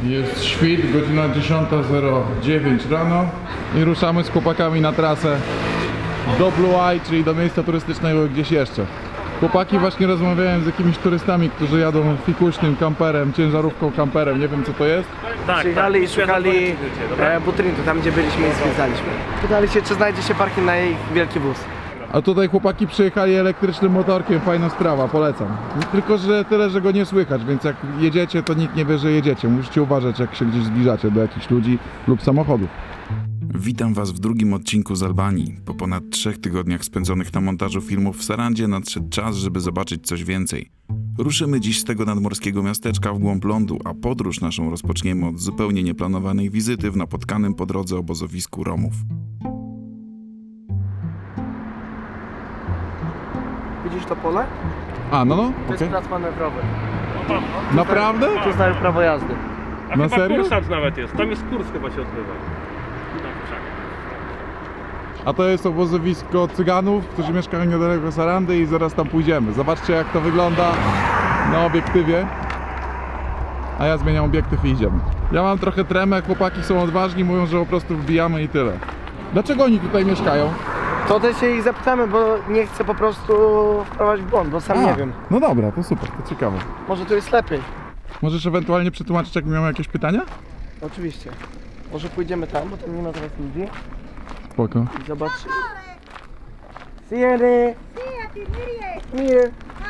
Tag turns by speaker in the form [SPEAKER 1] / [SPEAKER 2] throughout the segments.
[SPEAKER 1] Jest świt, godzina 10:09 rano i ruszamy z chłopakami na trasę do Blue Eye, czyli do miejsca turystycznego gdzieś jeszcze. Chłopaki właśnie rozmawiałem z jakimiś turystami, którzy jadą fikuśnym kamperem, ciężarówką kamperem, nie wiem co to jest.
[SPEAKER 2] Przyjechali i szukali Butryntu, tam gdzie byliśmy i zwiedzaliśmy. Pytali się, czy znajdzie się parking na ich wielki wóz.
[SPEAKER 1] A tutaj chłopaki przyjechali elektrycznym motorkiem, fajna sprawa, polecam. Tylko, że tyle, że go nie słychać, więc jak jedziecie, to nikt nie wie, że jedziecie. Musicie uważać, jak się gdzieś zbliżacie do jakichś ludzi lub samochodów.
[SPEAKER 3] Witam Was w drugim odcinku z Albanii. Po ponad 3 tygodniach spędzonych na montażu filmów w Sarandzie nadszedł czas, żeby zobaczyć coś więcej. Ruszymy dziś z tego nadmorskiego miasteczka w głąb lądu, a podróż naszą rozpoczniemy od zupełnie nieplanowanej wizyty w napotkanym po drodze obozowisku Romów.
[SPEAKER 2] Widzisz to pole?
[SPEAKER 1] A, no,
[SPEAKER 2] To jest plac manewrowy.
[SPEAKER 1] Naprawdę?
[SPEAKER 2] Tu znają prawo jazdy.
[SPEAKER 4] A
[SPEAKER 1] Na
[SPEAKER 4] chyba
[SPEAKER 1] serio?
[SPEAKER 4] kursant nawet jest. Tam jest kurs chyba się odbywa.
[SPEAKER 1] A to jest obozowisko Cyganów, którzy mieszkają niedaleko Sarandy i zaraz tam pójdziemy. Zobaczcie, jak to wygląda na obiektywie. A ja zmieniam obiektyw i idziemy. Ja mam trochę tremę, chłopaki są odważni, mówią, że po prostu wbijamy i tyle. Dlaczego oni tutaj mieszkają?
[SPEAKER 2] To też się ich zapytamy, bo nie chcę po prostu wprowadzić w błąd, bo sam nie wiem.
[SPEAKER 1] No dobra, to super, to ciekawe.
[SPEAKER 2] Może tu jest lepiej.
[SPEAKER 1] Możesz ewentualnie przetłumaczyć, jak miałem jakieś pytania?
[SPEAKER 2] Oczywiście. Może pójdziemy tam, bo tam nie ma teraz ludzi.
[SPEAKER 1] Spoko.
[SPEAKER 2] I zobacz. Sieny! Mir!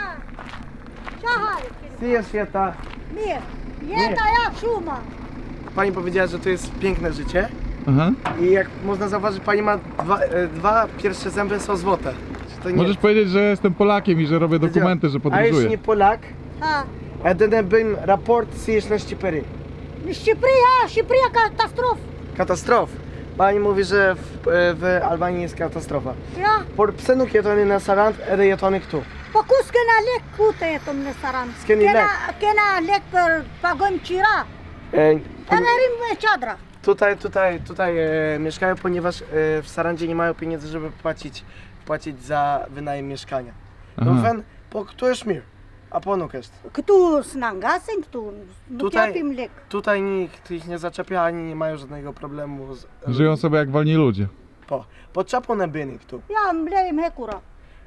[SPEAKER 2] Sier świata!
[SPEAKER 5] Mir. Jeta jak szuma.
[SPEAKER 2] Pani powiedziała, że to jest piękne życie.
[SPEAKER 1] Aha.
[SPEAKER 2] I jak można zauważyć, pani ma dwa pierwsze zęby są złote. Czy to nie...
[SPEAKER 1] Możesz powiedzieć, że jestem Polakiem i że robię dokumenty, że
[SPEAKER 2] A jeśli
[SPEAKER 1] podróżuję.
[SPEAKER 2] nie Polak,
[SPEAKER 5] Ha.
[SPEAKER 2] jedyny bym raport zjesz na Ścipery.
[SPEAKER 5] Щеприя катастроф.
[SPEAKER 2] Katastrof. Pani mówi, że w Albanii jest katastrofa.
[SPEAKER 5] Ja.
[SPEAKER 2] Por psenuk jetony na Sarand, ede jetony tu.
[SPEAKER 5] Покуска на лек кута е том не саран.
[SPEAKER 2] Скени лек.
[SPEAKER 5] Кена лек пер пагон чира. Енерим чадра.
[SPEAKER 2] Tutaj mieszkają, ponieważ w Sarandzie nie mają pieniędzy, żeby płacić za wynajem mieszkania.
[SPEAKER 1] Aha.
[SPEAKER 2] No fen, po kto jest mir? A ponuk jest.
[SPEAKER 5] Кту снангасен, кту нутяпим лек.
[SPEAKER 2] Tutaj nikt ich nie zaczepia, ani nie mają żadnego problemu z...
[SPEAKER 1] Żyją sobie jak wolni ludzie.
[SPEAKER 2] Po czapą na bynik tu.
[SPEAKER 5] Я млеем хекура.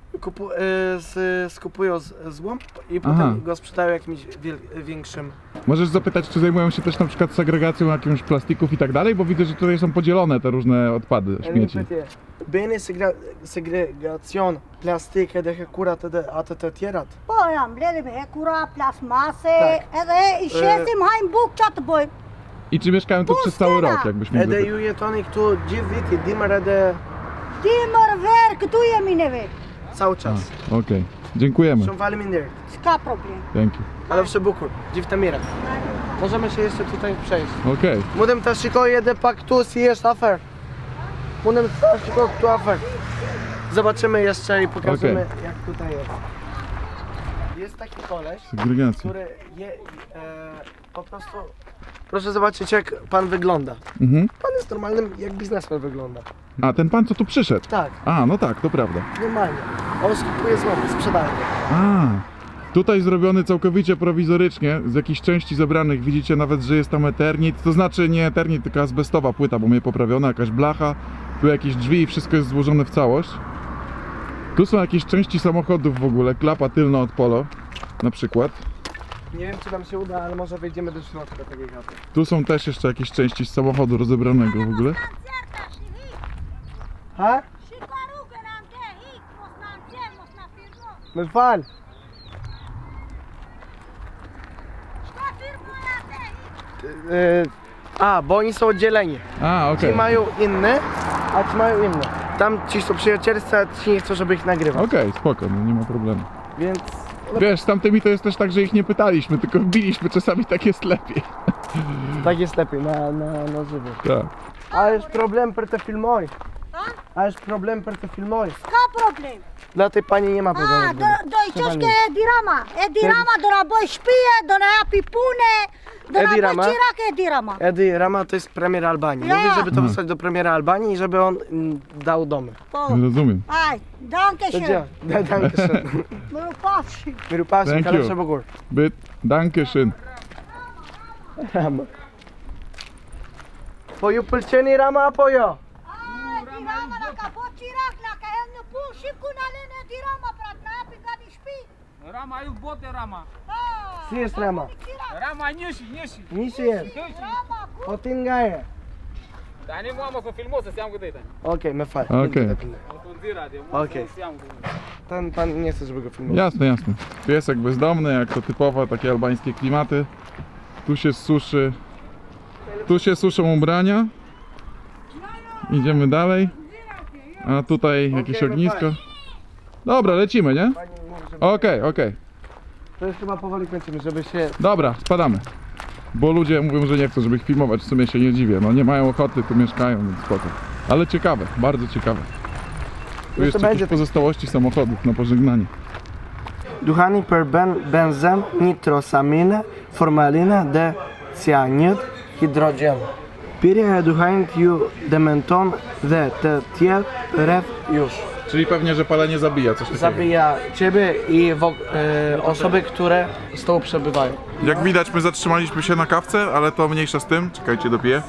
[SPEAKER 2] Skupują złom i
[SPEAKER 1] Aha.
[SPEAKER 2] potem go sprzedają jakimś większym.
[SPEAKER 1] Możesz zapytać, czy zajmują się też na przykład segregacją jakimś plastików i tak dalej, bo widzę, że tutaj są podzielone te różne odpady, śmieci.
[SPEAKER 2] Bine segregațion plastic de curat de atât tierat.
[SPEAKER 5] Păi am mlelem hekura, plasmase,
[SPEAKER 2] Tak.
[SPEAKER 5] i șesim haim buc chat boy.
[SPEAKER 1] I czy mieszkają tu przez cały rok, jakbyś mógł
[SPEAKER 2] Ede
[SPEAKER 1] zapytać?
[SPEAKER 2] ju jetonik tu dziwiki dimere de
[SPEAKER 5] Timăr ver, кту e mineve.
[SPEAKER 2] cały czas.
[SPEAKER 1] Okej, dziękujemy.
[SPEAKER 2] Są wali minder.
[SPEAKER 5] Ska problem.
[SPEAKER 1] Dzięki.
[SPEAKER 2] Ale w Szybukur, dziwtamira. Możemy się jeszcze tutaj przejść.
[SPEAKER 1] Okej.
[SPEAKER 2] Mudem ta szybko jede pak tu jest afer. Mudem ta szybko tu afer. Zobaczymy jeszcze i pokażemy jak tutaj jest. Jest taki koleś,
[SPEAKER 1] Segregacja.
[SPEAKER 2] który po prostu... Proszę zobaczyć jak pan wygląda.
[SPEAKER 1] Mhm.
[SPEAKER 2] Pan jest normalnym jak biznesmen wygląda.
[SPEAKER 1] A, ten pan co tu przyszedł?
[SPEAKER 2] Tak,
[SPEAKER 1] A, no tak, to prawda.
[SPEAKER 2] normalnie. On skupuje złomy, sprzedaje go.
[SPEAKER 1] A, tutaj zrobiony całkowicie prowizorycznie, z jakichś części zebranych widzicie nawet, że jest tam eternit, to znaczy nie eternit, tylko azbestowa płyta, bo mnie poprawiona, jakaś blacha, tu jakieś drzwi i wszystko jest złożone w całość. Tu są jakieś części samochodów w ogóle, klapa tylna od polo, na przykład.
[SPEAKER 2] Nie wiem czy nam się uda, ale może wejdziemy do środka takiej chaty.
[SPEAKER 1] Tu są też jeszcze jakieś części z samochodu rozebranego w ogóle.
[SPEAKER 2] Ha?
[SPEAKER 5] Și carugă n-am te hic, mos n-am te, mos n-am firmo.
[SPEAKER 2] No fal.
[SPEAKER 5] Šta firmo ja te hic?
[SPEAKER 2] A, bo oni są oddzieleni.
[SPEAKER 1] A,
[SPEAKER 2] Ci
[SPEAKER 1] okej.
[SPEAKER 2] mają inne, a ci mają inne. Tam ci są przyjacielscy, a ci nie chcą, żeby ich nagrywać.
[SPEAKER 1] Okej, spoko, no nie ma problemu.
[SPEAKER 2] Więc
[SPEAKER 1] Wiesz, z tamtymi to jest też tak, że ich nie pytaliśmy, tylko wbiliśmy, czasami tak jest lepiej.
[SPEAKER 2] tak jest lepiej na żywo.
[SPEAKER 1] Tak.
[SPEAKER 2] A jest problem per te filmoj.
[SPEAKER 5] Ha?
[SPEAKER 2] A jest problem per te filmoj.
[SPEAKER 5] Ska problem.
[SPEAKER 2] Dla tej pani nie ma
[SPEAKER 5] A,
[SPEAKER 2] problemu.
[SPEAKER 5] doi čoške Edirama. Edirama do na boj špije, do na ja pipune, do na
[SPEAKER 2] Edirama?
[SPEAKER 5] boj čirak Edirama.
[SPEAKER 2] Edy Rama to jest premier Albanii.
[SPEAKER 5] Ja.
[SPEAKER 2] Mówi, żeby to wysłać do premiera Albanii i żeby on dał domy.
[SPEAKER 5] Po.
[SPEAKER 1] Rozumiem.
[SPEAKER 5] Aj, danke
[SPEAKER 2] To
[SPEAKER 5] schön.
[SPEAKER 2] działa. Dankeschön.
[SPEAKER 5] Mă pafši.
[SPEAKER 2] Miru Pawsi,
[SPEAKER 1] Thank
[SPEAKER 2] Kaleb
[SPEAKER 1] you.
[SPEAKER 2] Szabogór.
[SPEAKER 1] Byt, danke schön.
[SPEAKER 2] Rama. Poju pulceni Rama apoyo.
[SPEAKER 5] dirama na kabotirak na kahelno po shipku na len dirama prat na pika di shpi.
[SPEAKER 6] Rama, eu bote Rama.
[SPEAKER 2] Si jest Rama.
[SPEAKER 6] Rama, nishi.
[SPEAKER 2] Nisi jest.
[SPEAKER 5] Dirama ku.
[SPEAKER 2] Potin gaje.
[SPEAKER 6] Dani mama ko filmosa se am gândit.
[SPEAKER 2] Okej, me fal.
[SPEAKER 1] Okej.
[SPEAKER 2] Okej. Pan nie chce, żeby go filmować.
[SPEAKER 1] Jasne, jasne. Piesek bezdomny, jak to typowo takie albańskie klimaty. Tu się suszy. Tu się suszą ubrania. Idziemy dalej. A tutaj jakieś
[SPEAKER 2] Okej,
[SPEAKER 1] ognisko. Dobra, lecimy, nie?
[SPEAKER 2] Pani mówi, żeby...
[SPEAKER 1] Okej.
[SPEAKER 2] To już chyba powoli kończymy, żeby się...
[SPEAKER 1] Dobra, spadamy. Bo ludzie mówią, że nie chcą, żeby ich filmować. W sumie się nie dziwię. No nie mają ochoty, tu mieszkają, więc spoko. Ale ciekawe, bardzo ciekawe. Tu
[SPEAKER 2] to
[SPEAKER 1] jeszcze
[SPEAKER 2] będzie
[SPEAKER 1] jakieś
[SPEAKER 2] tak-
[SPEAKER 1] pozostałości samochodów na pożegnanie.
[SPEAKER 2] Duhani per benzem, nitrosamine, formaline, de cyanid, hydrogen. Pirje duhain ju dementon, de te tier ref już.
[SPEAKER 1] Czyli pewnie, że palenie zabija coś takiego.
[SPEAKER 2] Zabija ciebie i osoby, które z tobą przebywają.
[SPEAKER 1] Jak widać, my zatrzymaliśmy się na kawce, ale to mniejsza z tym. Czekajcie, dopiję.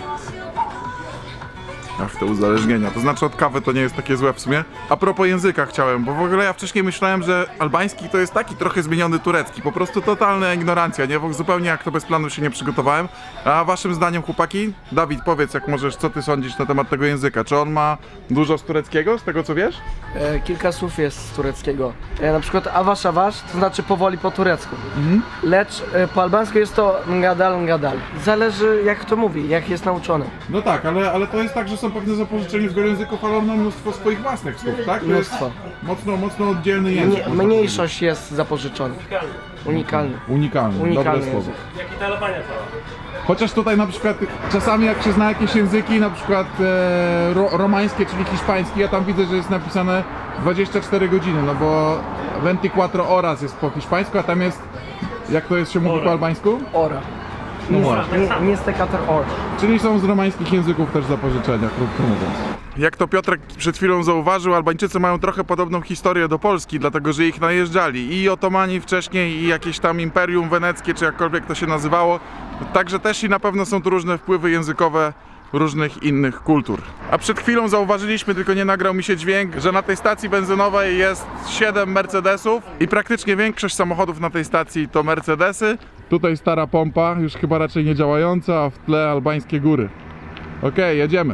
[SPEAKER 1] Ach, te uzależnienia. To znaczy od kawy to nie jest takie złe w sumie. A propos języka chciałem, bo w ogóle ja wcześniej myślałem, że albański to jest taki trochę zmieniony turecki. Po prostu totalna ignorancja, nie? Bo zupełnie jak to bez planu się nie przygotowałem. A waszym zdaniem, chłopaki? Dawid, powiedz jak możesz, co ty sądzisz na temat tego języka? Czy on ma dużo z tureckiego, z tego co wiesz?
[SPEAKER 2] Kilka słów jest z tureckiego. Na przykład awasz, to znaczy powoli po turecku. Lecz po albańsku jest to ngadal. Zależy jak to mówi, jak jest nauczony.
[SPEAKER 1] No tak, ale to jest tak, że są pewne zapożyczenia z wielu języków, ale on ma mnóstwo swoich własnych słów, tak? To
[SPEAKER 2] Mnóstwo.
[SPEAKER 1] jest mocno oddzielny język. można
[SPEAKER 2] Mniejszość jest zapożyczona. Unikalny.
[SPEAKER 1] powiedzieć. Unikalny,
[SPEAKER 2] Unikalny
[SPEAKER 1] dobre słowo.
[SPEAKER 2] język.
[SPEAKER 4] Jak i ta Albania cała.
[SPEAKER 1] Chociaż tutaj na przykład czasami jak się zna jakieś języki, na przykład romańskie, czyli hiszpański, ja tam widzę, że jest napisane 24 godziny, no bo 24 horas jest po hiszpańsku, a tam jest, jak to jest się mówi po albańsku?
[SPEAKER 2] Ora.
[SPEAKER 1] No właśnie.
[SPEAKER 2] Nie stekator or.
[SPEAKER 1] Czyli są z romańskich języków też zapożyczenia, krótko mówiąc. Jak to Piotrek przed chwilą zauważył, Albańczycy mają trochę podobną historię do Polski, dlatego że ich najeżdżali i otomani wcześniej, i jakieś tam imperium weneckie, czy jakkolwiek to się nazywało. Także też i na pewno są tu różne wpływy językowe różnych innych kultur. A przed chwilą zauważyliśmy, tylko nie nagrał mi się dźwięk, że na tej stacji benzynowej jest 7 Mercedesów i praktycznie większość samochodów na tej stacji to Mercedesy. Tutaj stara pompa, już chyba raczej nie działająca, a w tle albańskie góry. Okej, jedziemy.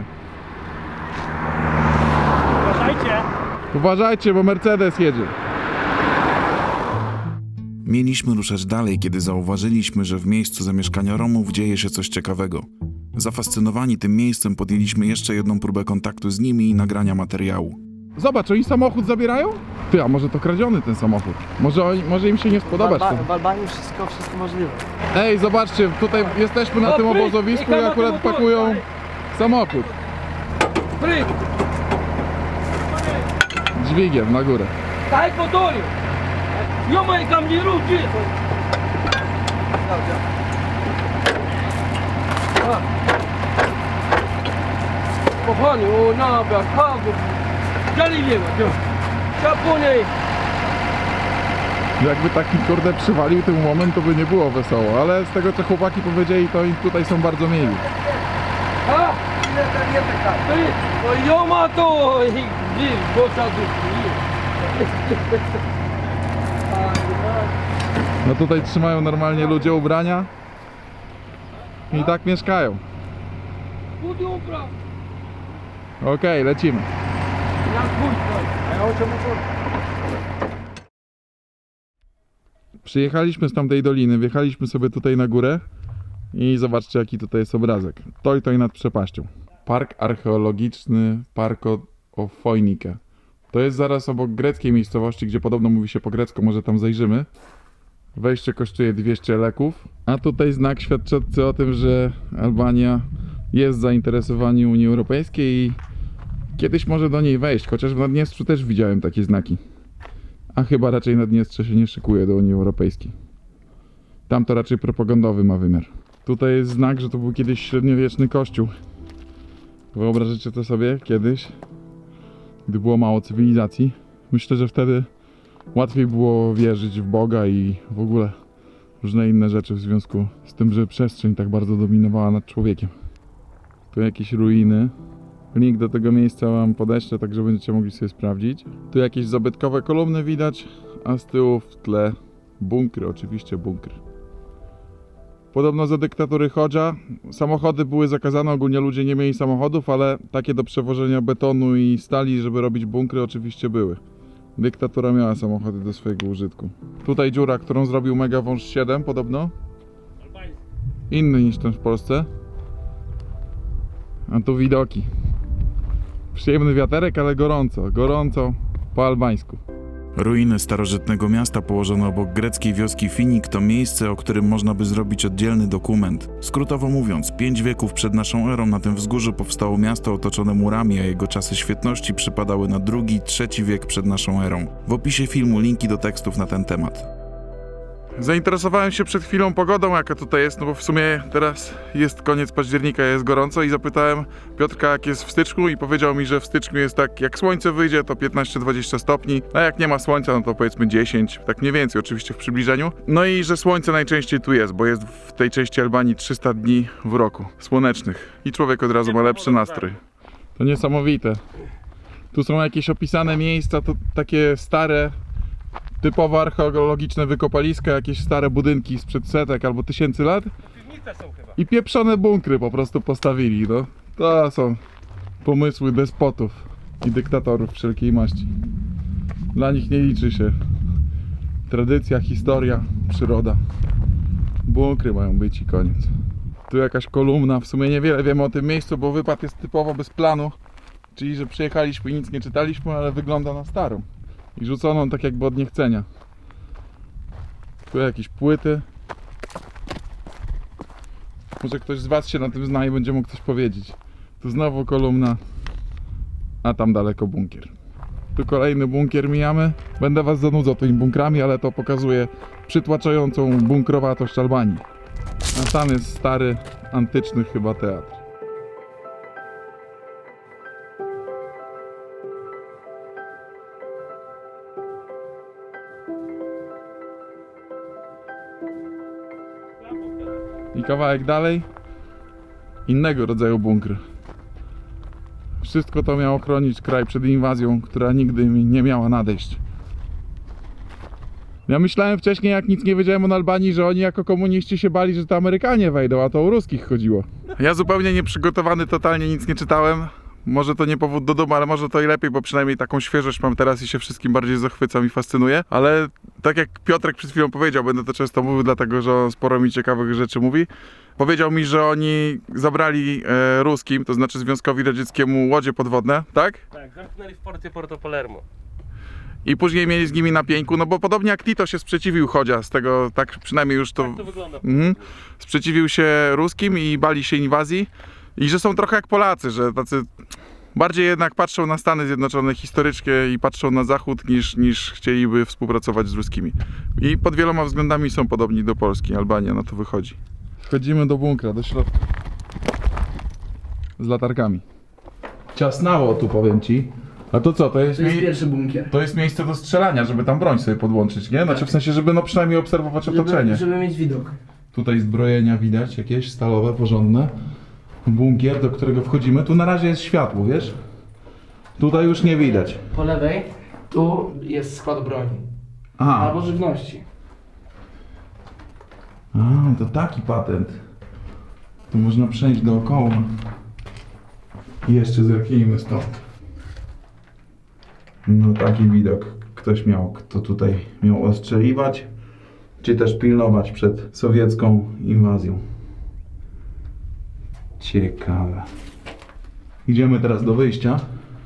[SPEAKER 4] Uważajcie!
[SPEAKER 1] Uważajcie, bo Mercedes jedzie.
[SPEAKER 3] Mieliśmy ruszać dalej, kiedy zauważyliśmy, że w miejscu zamieszkania Romów dzieje się coś ciekawego. Zafascynowani tym miejscem podjęliśmy jeszcze jedną próbę kontaktu z nimi i nagrania materiału.
[SPEAKER 1] Zobacz, oni samochód zabierają? Ty, a może to kradziony ten samochód? Może im się nie spodobać to.
[SPEAKER 2] W Albanii wszystko możliwe.
[SPEAKER 1] Ej, zobaczcie, tutaj jesteśmy na tym obozowisku i akurat pakują samochód. Dźwigiem na górę.
[SPEAKER 6] Daj motory! Jomaj kam nie ruczy! Kochani, o nabia, kago! Galiliewa, Japoniej!
[SPEAKER 1] Jakby taki kurde przywalił ten moment, to by nie było wesoło, ale z tego co chłopaki powiedzieli, to im tutaj są bardzo mili.
[SPEAKER 6] Ha? O Joma to! Gdzie? Bosa
[SPEAKER 1] No tutaj trzymają normalnie ludzie ubrania i tak mieszkają.
[SPEAKER 6] Budu upra!
[SPEAKER 1] Okej, lecimy.
[SPEAKER 6] Jak bójka!
[SPEAKER 1] Przyjechaliśmy z tamtej doliny, wjechaliśmy sobie tutaj na górę i zobaczcie jaki tutaj jest obrazek. To i nad przepaścią. Park archeologiczny Parko Ofojnike. To jest zaraz obok greckiej miejscowości, gdzie podobno mówi się po grecku, może tam zajrzymy. Wejście kosztuje 200 leków, a tutaj znak świadczący o tym, że Albania jest zainteresowana Unii Europejskiej i kiedyś może do niej wejść, chociaż w Naddniestrzu też widziałem takie znaki. A chyba raczej Naddniestrze się nie szykuje do Unii Europejskiej. Tam to raczej propagandowy ma wymiar. Tutaj jest znak, że to był kiedyś średniowieczny kościół. Wyobrażacie to sobie kiedyś, gdy było mało cywilizacji? Myślę, że wtedy łatwiej było wierzyć w Boga i w ogóle różne inne rzeczy w związku z tym, że przestrzeń tak bardzo dominowała nad człowiekiem. Tu jakieś ruiny. Link do tego miejsca wam podeślę, tak że będziecie mogli sobie sprawdzić. Tu jakieś zabytkowe kolumny widać, a z tyłu w tle bunkry, oczywiście bunkry. Podobno za dyktatury Hodża samochody były zakazane, ogólnie ludzie nie mieli samochodów, ale takie do przewożenia betonu i stali, żeby robić bunkry, oczywiście były. Dyktatura miała samochody do swojego użytku. Tutaj dziura, którą zrobił Mega Wąż 7 podobno. Inny niż ten w Polsce. A tu widoki. Przyjemny wiaterek, ale gorąco. Gorąco po albańsku.
[SPEAKER 3] Ruiny starożytnego miasta położone obok greckiej wioski Finik to miejsce, o którym można by zrobić oddzielny dokument. Skrótowo mówiąc, 5 wieków przed naszą erą na tym wzgórzu powstało miasto otoczone murami, a jego czasy świetności przypadały na II-III wiek przed naszą erą. W opisie filmu linki do tekstów na ten temat.
[SPEAKER 1] Zainteresowałem się przed chwilą pogodą, jaka tutaj jest, no bo w sumie teraz jest koniec października, jest gorąco i zapytałem Piotrka, jak jest w styczniu i powiedział mi, że w styczniu jest tak, jak słońce wyjdzie to 15-20 stopni, a jak nie ma słońca no to powiedzmy 10, tak mniej więcej oczywiście w przybliżeniu. No i że słońce najczęściej tu jest, bo jest w tej części Albanii 300 dni w roku słonecznych i człowiek od razu ma lepszy nastrój. To niesamowite. Tu są jakieś opisane miejsca, to takie stare, typowo archeologiczne wykopaliska, jakieś stare budynki sprzed setek albo tysięcy lat
[SPEAKER 4] Piwnice są chyba.
[SPEAKER 1] i pieprzone bunkry po prostu postawili, no. To są pomysły despotów i dyktatorów wszelkiej maści. Dla nich nie liczy się tradycja, historia, przyroda. Bunkry mają być i koniec. Tu jakaś kolumna, w sumie niewiele wiemy o tym miejscu, bo wypad jest typowo bez planu, czyli że przyjechaliśmy i nic nie czytaliśmy, ale wygląda na starą i rzuconą tak jakby od niechcenia. Tu jakieś płyty. Może ktoś z was się na tym zna i będzie mógł coś powiedzieć. Tu znowu kolumna, a tam daleko bunkier. Tu kolejny bunkier mijamy. Będę was zanudzał tymi bunkrami, ale to pokazuje przytłaczającą bunkrowatość Albanii. A tam jest stary, antyczny chyba teatr. I kawałek dalej innego rodzaju bunkry. Wszystko to miało chronić kraj przed inwazją, która nigdy nie miała nadejść. Ja myślałem wcześniej, jak nic nie wiedziałem o Albanii, że oni jako komuniści się bali, że to Amerykanie wejdą, a to o ruskich chodziło. Ja zupełnie nieprzygotowany, totalnie nic nie czytałem. Może to nie powód do dumy, ale może to i lepiej, bo przynajmniej taką świeżość mam teraz i się wszystkim bardziej zachwycam i fascynuję. Ale tak jak Piotrek przed chwilą powiedział, będę to często mówił, dlatego że on sporo mi ciekawych rzeczy mówi. Powiedział mi, że oni zabrali ruskim, to znaczy Związkowi Radzieckiemu, łodzie podwodne, tak?
[SPEAKER 4] Tak, zamknęli w porcie Porto Palermo.
[SPEAKER 1] I później mieli z nimi na pieńku, no bo podobnie jak Tito się sprzeciwił Chodzia, z tego tak przynajmniej już to...
[SPEAKER 4] Tak to wygląda.
[SPEAKER 1] Sprzeciwił się ruskim i bali się inwazji. I że są trochę jak Polacy, że tacy bardziej jednak patrzą na Stany Zjednoczone historycznie i patrzą na Zachód niż chcieliby współpracować z ruskimi. I pod wieloma względami są podobni do Polski, Albania na to wychodzi. Wchodzimy do bunkra, do środka. Z latarkami. Ciasnało tu, powiem ci. A to co, to jest
[SPEAKER 2] pierwszy bunkier.
[SPEAKER 1] to jest miejsce do strzelania, żeby tam broń sobie podłączyć, nie? Znaczy w sensie, żeby no przynajmniej obserwować otoczenie.
[SPEAKER 2] Żeby mieć widok.
[SPEAKER 1] Tutaj zbrojenia widać, jakieś stalowe, porządne. Bunkier, do którego wchodzimy. Tu na razie jest światło, wiesz? Tutaj już nie widać.
[SPEAKER 7] Po lewej, tu jest skład broni.
[SPEAKER 1] Aha.
[SPEAKER 7] Albo żywności.
[SPEAKER 1] A, to taki patent. Tu można przejść dookoła. I jeszcze zerknijmy stąd. No taki widok ktoś miał, kto tutaj miał ostrzeliwać, czy też pilnować przed sowiecką inwazją. Ciekawe. Idziemy teraz do wyjścia.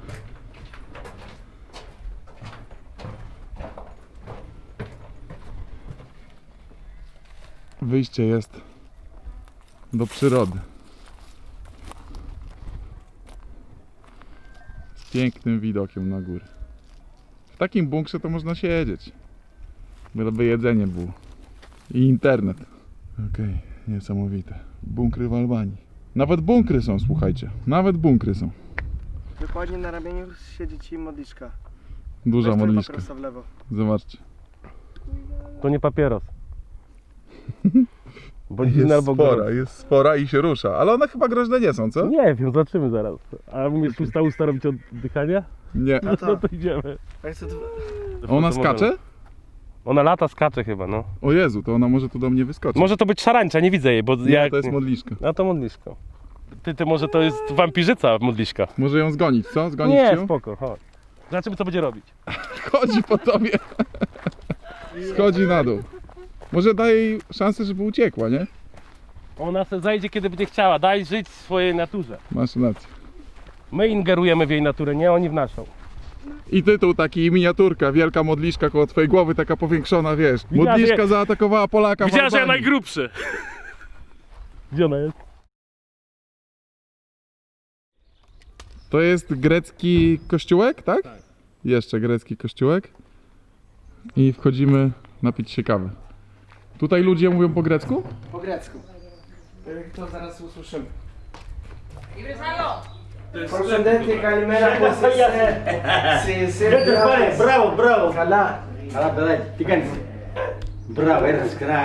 [SPEAKER 1] Wyjście jest do przyrody. Z pięknym widokiem na górę. W takim bunkrze to można siedzieć. Byleby jedzenie było. I internet. Okej, niesamowite. Bunkry w Albanii. Nawet bunkry są, słuchajcie. Nawet bunkry są.
[SPEAKER 2] Dokładnie na ramieniu siedzi ci modliszka.
[SPEAKER 1] Duża
[SPEAKER 2] Weź
[SPEAKER 1] modliszka.
[SPEAKER 2] papierosa w lewo.
[SPEAKER 1] Zobaczcie.
[SPEAKER 4] To nie papieros. Bądź albo gorący.
[SPEAKER 1] Jest spora i się rusza, ale one chyba groźne nie są, co?
[SPEAKER 4] Nie wiem, zobaczymy zaraz. A umiesz usta robić oddychania?
[SPEAKER 1] Nie.
[SPEAKER 4] No to idziemy.
[SPEAKER 1] Ona skacze?
[SPEAKER 4] Ona lata, skacze chyba, no.
[SPEAKER 1] O Jezu, to ona może tu do mnie wyskoczyć.
[SPEAKER 4] Może to być szarańcza, nie widzę jej, bo
[SPEAKER 1] Nie,
[SPEAKER 4] ja...
[SPEAKER 1] to jest modliszka.
[SPEAKER 4] A to modliszko. Ty może to jest wampirzyca modliszka.
[SPEAKER 1] Może ją zgonić, co? Zgonić
[SPEAKER 4] Nie,
[SPEAKER 1] ją?
[SPEAKER 4] spoko, chodź. Zobaczymy co będzie robić.
[SPEAKER 1] Chodzi po tobie. Schodzi na dół. Może daj jej szansę, żeby uciekła, nie?
[SPEAKER 4] Ona se zajdzie kiedy będzie chciała, daj żyć swojej naturze.
[SPEAKER 1] Masz rację.
[SPEAKER 4] My ingerujemy w jej naturę, nie oni w naszą.
[SPEAKER 1] I tytuł taki, miniaturka, wielka modliszka koło twojej głowy, taka powiększona, wiesz.
[SPEAKER 4] Widziała,
[SPEAKER 1] Modliszka
[SPEAKER 4] że-
[SPEAKER 1] zaatakowała Polaka w
[SPEAKER 4] Widziała, że ja
[SPEAKER 1] Albanii.
[SPEAKER 4] najgrubszy. Gdzie ona jest?
[SPEAKER 1] To jest grecki kościółek, tak? Tak. Jeszcze grecki kościółek. I wchodzimy napić się kawy. Tutaj ludzie mówią po grecku?
[SPEAKER 2] Po grecku. To zaraz usłyszymy. Procedente Kalimera
[SPEAKER 8] Bravo, bravo.
[SPEAKER 2] Kala.
[SPEAKER 8] Καλά, παιδάκι, τι κάνεις. Μπράβο, έρθες κρά,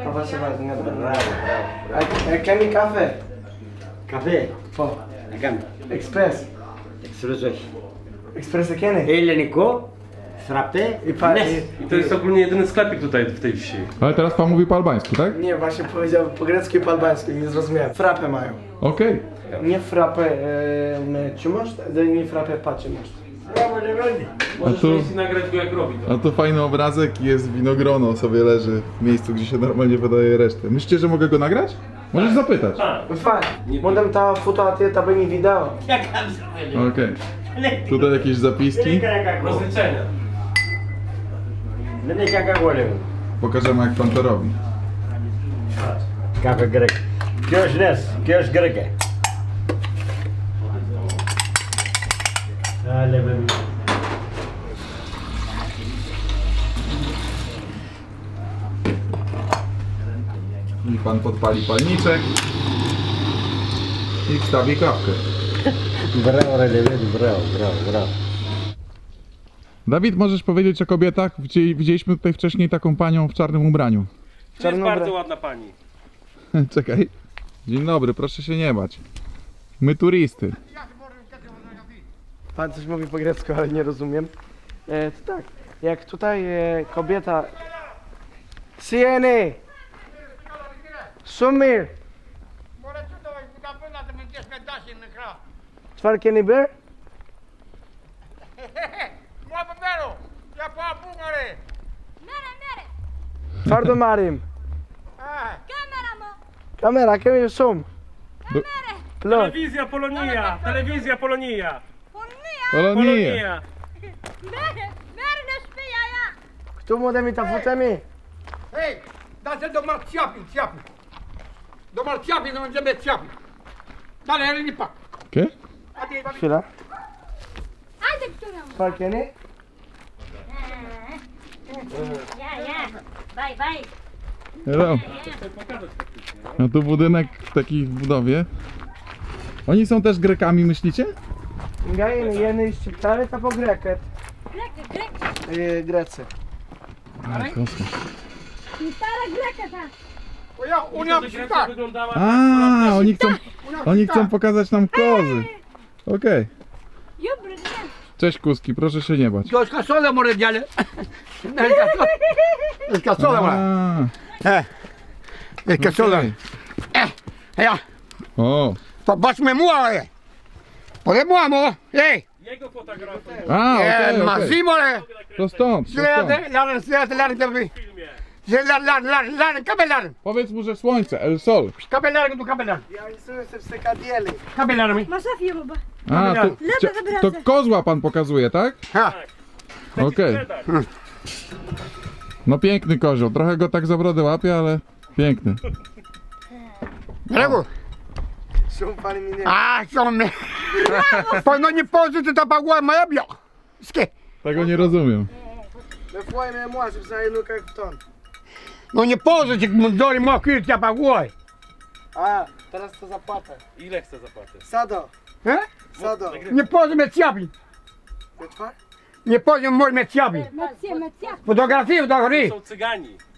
[SPEAKER 2] Κάνει καφέ.
[SPEAKER 8] Καφέ,
[SPEAKER 2] Πω.
[SPEAKER 8] να κάνουμε.
[SPEAKER 2] Express.
[SPEAKER 8] Εξαιρετός όχι.
[SPEAKER 2] Express έκανε.
[SPEAKER 8] Ελληνικό, στραπτέ,
[SPEAKER 4] I to jest ogólnie jedyny sklepik tutaj w tej wsi.
[SPEAKER 1] Ale teraz pan mówi po albańsku, tak?
[SPEAKER 2] Nie, właśnie powiedział po grecku i po albańsku, nie zrozumiałem. Frapę mają.
[SPEAKER 1] Okej.
[SPEAKER 2] Nie frapę ciumasz, nie frapę pacie masz.
[SPEAKER 4] Możesz
[SPEAKER 1] tu-
[SPEAKER 4] wejść i nagrać go jak robi to.
[SPEAKER 1] A tu fajny obrazek i jest winogrono sobie leży w miejscu, gdzie się normalnie wydaje resztę. Myślicie, że mogę go nagrać? Możesz zapytać.
[SPEAKER 2] Fajnie. Modem ta foto a ty ta by nie wideo.
[SPEAKER 1] Okej. Tutaj jakieś zapiski.
[SPEAKER 4] Rozliczenia.
[SPEAKER 8] Δεν έχει κακά γόλεμο.
[SPEAKER 1] Pokażemy jak pan to robi.
[SPEAKER 8] Καφέ γκρέκ. Ποιος λες, ποιος γκρέκε. Άλλε παιδί.
[SPEAKER 1] I pan podpali palniczek. I wstawi kawkę.
[SPEAKER 8] Μπράβο ρε παιδί, μπράβο, μπράβο, μπράβο.
[SPEAKER 1] Dawid, możesz powiedzieć o kobietach? Widzieliśmy tutaj wcześniej taką panią w czarnym ubraniu.
[SPEAKER 4] To jest
[SPEAKER 2] Czarnobra-
[SPEAKER 4] bardzo ładna pani.
[SPEAKER 1] Czekaj. Dzień dobry, proszę się nie bać. My turysty.
[SPEAKER 2] Pan coś mówi po grecku, ale nie rozumiem. To tak, jak tutaj kobieta... Sieny! Sumir! Czwarkie niby? Twardo marim.
[SPEAKER 5] Κάμερα μου.
[SPEAKER 2] Kamera, kim sum? Plot.
[SPEAKER 4] Telewizja Polonia! Telewizja Polonia!
[SPEAKER 5] Πονία.
[SPEAKER 1] Polonie.
[SPEAKER 5] Μέρη να σπία, ja.
[SPEAKER 2] Kto mu da mi ta fotemi?
[SPEAKER 9] Hej, dacie do marciapin, ciapin. Do marciapin, no będziemy ciapin. Dalej, ale nie pak.
[SPEAKER 1] Okej.
[SPEAKER 9] A ty,
[SPEAKER 2] Chwila.
[SPEAKER 5] Άντε, κτούρα μου.
[SPEAKER 2] Czwarkie nie?
[SPEAKER 5] Ja. Bye, bye.
[SPEAKER 1] Hello. A tu budynek w takiej budowie. Oni są też Grekami, myślicie?
[SPEAKER 2] Gajen, jeny ściptary, to po greket.
[SPEAKER 5] Grek.
[SPEAKER 2] Grecy.
[SPEAKER 5] Stara greka ta.
[SPEAKER 9] bo ja umiał tak.
[SPEAKER 4] wyglądała
[SPEAKER 1] A, oni chcą pokazać nam kozy. Okej.
[SPEAKER 5] Jubry,
[SPEAKER 1] Cześć kuski, proszę się nie bać.
[SPEAKER 9] To jest kasola, more dziale. To jest kasola, more.
[SPEAKER 1] A,
[SPEAKER 9] Jest kasola.
[SPEAKER 1] okej.
[SPEAKER 9] Ja,
[SPEAKER 1] O,
[SPEAKER 9] popatrzmy mu, ale. Pode mu, amo. Hej,
[SPEAKER 4] jego fotografii
[SPEAKER 1] a, okej, okej.
[SPEAKER 9] Massimo, ale.
[SPEAKER 1] To stąd, to stąd.
[SPEAKER 4] w filmie.
[SPEAKER 9] Kabelar,
[SPEAKER 1] Powiedz mu, że słońce, el sol.
[SPEAKER 9] kabelar, tu kabelar.
[SPEAKER 2] Ja rysuję sobie w sekadieli.
[SPEAKER 9] Kabelar mi.
[SPEAKER 5] Masafia, baba.
[SPEAKER 1] A, to kozła pan pokazuje, tak?
[SPEAKER 9] Ha,
[SPEAKER 1] Okej. No piękny kozioł, trochę go tak za brodę łapie, ale piękny.
[SPEAKER 9] Brawo.
[SPEAKER 2] Szum pani mi nie...
[SPEAKER 9] A, co mnie. No nie pozy, to ta pagła moja bio. Skie.
[SPEAKER 1] Tego nie rozumiem.
[SPEAKER 2] Me foi me moi, żeby za jedną jak w ton.
[SPEAKER 9] No nie pozy, jak mundory mokry, ta pagła.
[SPEAKER 2] A, teraz to zapłatę.
[SPEAKER 4] Ile chce zapłaty?
[SPEAKER 2] Sado,
[SPEAKER 9] He?
[SPEAKER 2] sado.
[SPEAKER 9] Nie pozy me ciapi.
[SPEAKER 2] Wieczwa?
[SPEAKER 9] Nie pozy mój me ciapi.
[SPEAKER 5] Mecja.
[SPEAKER 9] Fotografię do góry.
[SPEAKER 4] Są cygani.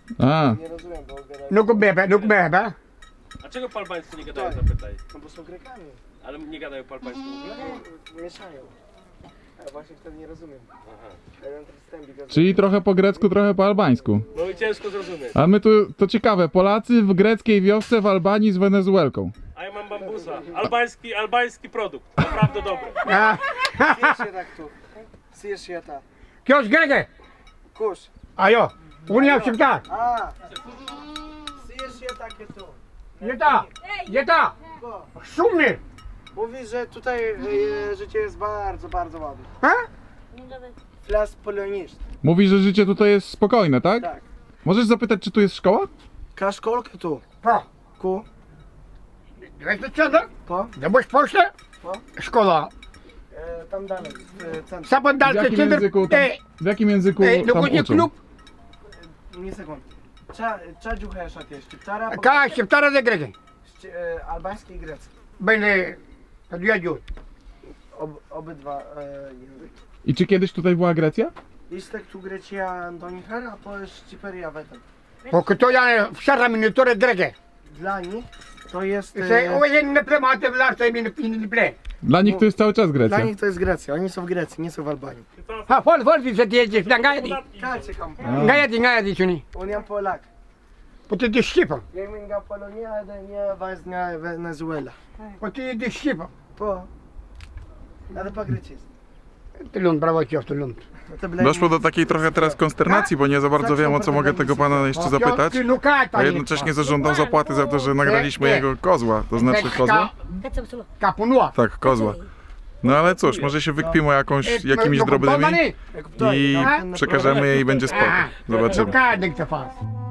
[SPEAKER 1] A,
[SPEAKER 2] Nie rozumiem, bo gadają.
[SPEAKER 8] No kubebe.
[SPEAKER 4] A czego po albańsku nie gadają, zapytaj?
[SPEAKER 2] No bo są Grekami.
[SPEAKER 4] Ale nie gadają po albańsku w ogóle?
[SPEAKER 2] Mieszają. A właśnie wtedy nie rozumiem. I don't understand because...
[SPEAKER 1] czyli trochę po grecku, trochę po albańsku.
[SPEAKER 4] No i ciężko zrozumieć.
[SPEAKER 1] A my tu, to ciekawe, Polacy w greckiej wiosce w Albanii z Wenezuelką.
[SPEAKER 4] A ja mam bambusa. Albański produkt. Naprawdę dobry.
[SPEAKER 2] Syjesz je tak tu. Syjesz je tak.
[SPEAKER 8] Kiosk Grege.
[SPEAKER 2] Kurz.
[SPEAKER 8] Ajo. Unia всегда.
[SPEAKER 2] A! Syjesz je takie tu.
[SPEAKER 8] Jeta.
[SPEAKER 2] Bo
[SPEAKER 8] Szumny.
[SPEAKER 2] mówi, że tutaj życie jest bardzo, bardzo ładne.
[SPEAKER 8] Ha?
[SPEAKER 2] Flas polonist.
[SPEAKER 1] Mówi, że życie tutaj jest spokojne, tak?
[SPEAKER 2] Tak.
[SPEAKER 1] Możesz zapytać, czy tu jest szkoła?
[SPEAKER 2] Ka szkolkę tu.
[SPEAKER 8] Po.
[SPEAKER 2] Ku.
[SPEAKER 8] Weź do ciągu.
[SPEAKER 2] Po.
[SPEAKER 8] Zabądź poszle.
[SPEAKER 2] Po.
[SPEAKER 8] Szkoła.
[SPEAKER 2] Tam dalej. W centrum.
[SPEAKER 8] Sapon
[SPEAKER 1] W
[SPEAKER 8] dalszy
[SPEAKER 1] jakim
[SPEAKER 8] centrum.
[SPEAKER 1] języku tam, w jakim języku
[SPEAKER 8] No
[SPEAKER 1] tam
[SPEAKER 8] później
[SPEAKER 1] uczą?
[SPEAKER 8] klub.
[SPEAKER 2] Nie sekund. Cza dziuchę szatnie. Szczyptara.
[SPEAKER 8] Ka, Szczyptara ze Grege.
[SPEAKER 2] Albański i grecki.
[SPEAKER 8] Będę odwiedził.
[SPEAKER 2] Obydwa języki.
[SPEAKER 1] I czy kiedyś tutaj była Grecja?
[SPEAKER 2] Istek tu Grecia Antonihar, a po Szczyperia Wetem.
[SPEAKER 8] Bo to ja wsadzam miniaturę Grege.
[SPEAKER 2] Dla nich to jest...
[SPEAKER 8] Nie plematy w larce mi ple.
[SPEAKER 1] Dla nich to jest cały czas Grecja.
[SPEAKER 2] Dla nich to jest Grecja. Oni są w Grecji, nie są w Albanii.
[SPEAKER 8] Ha, fol, że ty jedziesz na Gajadi.
[SPEAKER 2] Kacie kam.
[SPEAKER 8] Gajadi, czuni.
[SPEAKER 2] Uniam Polak.
[SPEAKER 8] Bo ty jesteś Ściepą.
[SPEAKER 2] Gaminga Polonia, nie Waznia Wenezuela.
[SPEAKER 8] Bo ty jesteś Ściepą.
[SPEAKER 2] Po. Ale po grecku.
[SPEAKER 8] Ty ląd, brawo cię w ten ląd.
[SPEAKER 1] Doszło do takiej trochę teraz konsternacji, bo nie za bardzo wiem, o co mogę tego pana jeszcze zapytać. A jednocześnie zażądał zapłaty za to, że nagraliśmy jego kozła, to znaczy kozła?
[SPEAKER 8] Kapunua.
[SPEAKER 1] Tak, kozła. No ale cóż, może się wykpimy jakimiś drobnymi i przekażemy je i będzie spoko. Zobaczymy.
[SPEAKER 8] Zobaczymy.